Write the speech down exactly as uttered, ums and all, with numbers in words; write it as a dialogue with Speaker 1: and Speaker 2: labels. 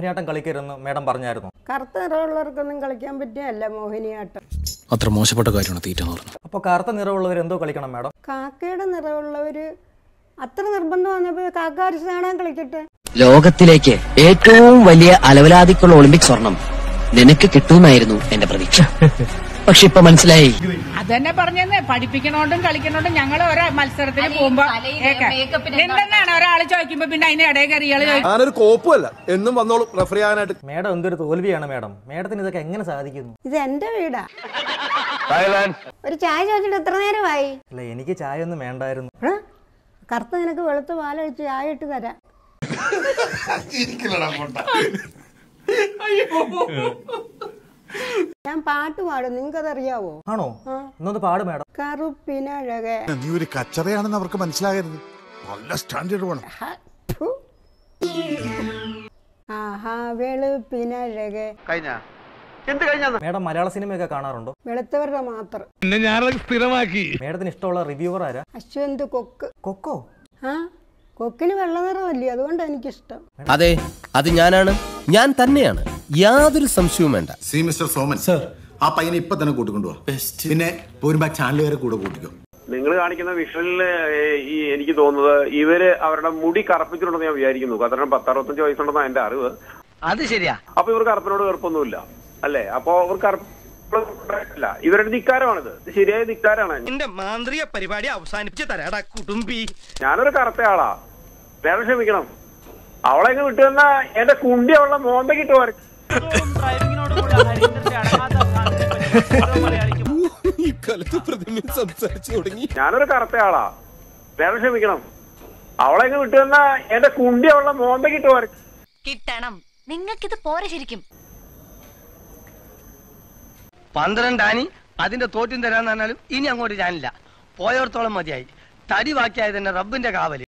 Speaker 1: Mohiniyattam കളിക്കരുതെന്ന് madam പറഞ്ഞായിരുന്നു.
Speaker 2: കറുത്ത നിറമുള്ളവർക്കൊന്നും കളിക്കാൻ പറ്റിയല്ല മോഹിനിയാട്ടം.
Speaker 3: അത്ര മോശപ്പെട്ട കാര്യമാണ് തീറ്റ എന്ന് പറഞ്ഞത്.
Speaker 1: അപ്പോൾ കറുത്ത നിറമുള്ളവർ എന്തോ കളിക്കണം മേഡം?
Speaker 2: കാക്കയുടെ നിറമുള്ളവര് അത്ര നിർബന്ധം വന്നപ്പോൾ കാക്ക അരിച്ച് കാണാൻ കളിക്കട്ടെ.
Speaker 4: ലോകത്തിലേക്ക് ഏറ്റവും വലിയ അലവലാതിക്കുള്ള ഒളിമ്പിക് സ്വർണം നിനക്ക് കിട്ടുമെന്നായിരുന്നു എന്റെ പ്രതീക്ഷ. പക്ഷെ ഇപ്പൊ മനസ്സിലായി.
Speaker 5: അതന്നെ പറഞ്ഞെന്ന് പഠിപ്പിക്കണോണ്ടും കളിക്കണോണ്ടും ഞങ്ങൾ ഓരോ മത്സരത്തിന് പോകുമ്പോ എന്തെന്നാണ് ഒരാള് ചോദിക്കുമ്പോ പിന്നെ അതിന് ഇടയിൽ കയറിയാള്
Speaker 6: ഞാനൊരു കോപ്പല്ല എന്നും വന്നോളൂ റെഫർ ചെയ്യാനായിട്ട്.
Speaker 1: മേഡം എന്തൊരു തോൽവിയാണ് മേഡം. മേഡത്തിന് ഇതൊക്കെ എങ്ങനെ സാധിക്കുന്നു?
Speaker 2: ഇത് എന്റെ വീടാ. ഒരു ചായ ചോദിച്ചിട്ട് എത്ര നേരമായി?
Speaker 1: അല്ല, എനിക്ക് ചായ ഒന്നും വേണ്ടായിരുന്നു.
Speaker 2: കറുത്ത നിനക്ക് വെളുത്ത പാലൊഴിച്ച് ചായ ഇട്ട് തരാം. ഞാൻ പാട്ട് പാടും, നിങ്ങൾക്കതറിയാവോ?
Speaker 1: ആണോ? എന്നൊന്ന് പാട് മേഡം.
Speaker 2: കറുപ്പിനഴകെ.
Speaker 6: നീ ഒരു കച്ചറയാണെന്ന് അവർക്ക് മനസ്സിലാകരുത്. നല്ല സ്റ്റാൻഡേർഡ് വേണം.
Speaker 2: ആഹാ വെളുപ്പിനഴകെ.
Speaker 1: മേഡം മലയാള സിനിമയൊക്കെ കാണാറുണ്ടോ?
Speaker 2: വെളുത്തവരുടെ മാത്രം.
Speaker 1: മേഡത്തിന് ഇഷ്ടമുള്ള റിവ്യൂവർ ആരാ?
Speaker 2: അശ്വന്ത് കൊക്ക്.
Speaker 1: കൊക്കോ?
Speaker 2: ആ, കൊക്കിന് വെള്ള നിറമല്ലേ, അതുകൊണ്ട് എനിക്കിഷ്ടം.
Speaker 7: അതെ, അത് ഞാനാണ്, ഞാൻ തന്നെയാണ്, യാതൊരു സംശയവും വേണ്ട.
Speaker 6: സി മിസ്റ്റർ സോമൻ സർ, ആ പയ്യനെ ഇപ്പൊ തന്നെ കൂട്ടിക്കൊണ്ടുപോവാ. പിന്നെ പോരുമ്പോ ചാനൽ വരെ കൂടെ കൂട്ടിക്കോ.
Speaker 8: നിങ്ങൾ കാണിക്കുന്ന വിഷ്വലില് ഈ എനിക്ക് തോന്നുന്നത് ഇവര് അവരുടെ മുടി കറുപ്പിച്ചിട്ടുണ്ടെന്ന് ഞാൻ വിചാരിക്കുന്നു. കാരണം പത്തറുപത്തഞ്ച് വയസ്സുണ്ടെന്നാണ് എന്റെ അറിവ്.
Speaker 4: അത് ശരിയാ.
Speaker 8: അപ്പൊ ഇവർ കറുപ്പിനോട് കറുപ്പൊന്നുമില്ല അല്ലേ? അപ്പൊ അവർ കറുപ്പല്ല, ഇവരുടെ ധിക്കാരമാണിത്. ശരിയായ ധിക്കാരാണ്.
Speaker 7: എന്റെ മാന്ത്രിക പരിപാടി അവസാനിപ്പിച്ച് തരാടാ കുടുംബി.
Speaker 8: ഞാനൊരു കറുത്ത ആളാ, വേറെ ക്ഷമിക്കണം. അവളെ ഇങ്ങ് വിട്ടു തന്നാ എന്റെ കുണ്ടി അവളുടെ മോന്തക്കിട്ട് വരക്കും. ഞാനൊരു കറുത്ത ആളാ, വേറെ ക്ഷമിക്കണം. അവളെ ഇങ്ങ് വിട്ടു തന്നാ എന്റെ കുണ്ടി അവളുടെ മോന്തക്കിട്ട് വരക്കും.
Speaker 9: കിട്ടണം, നിങ്ങൾക്കിത് പോരെ ശരിക്കും.
Speaker 4: പന്ത്രണ്ടാനി അതിന്റെ തോറ്റും തരാന്ന് പറഞ്ഞാലും ഇനി അങ്ങോട്ട് ഞാനില്ല. പോയോർത്തോളം മതിയായി. തടി ബാക്കിയായത് തന്നെ റബ്ബിന്റെ കാവല്.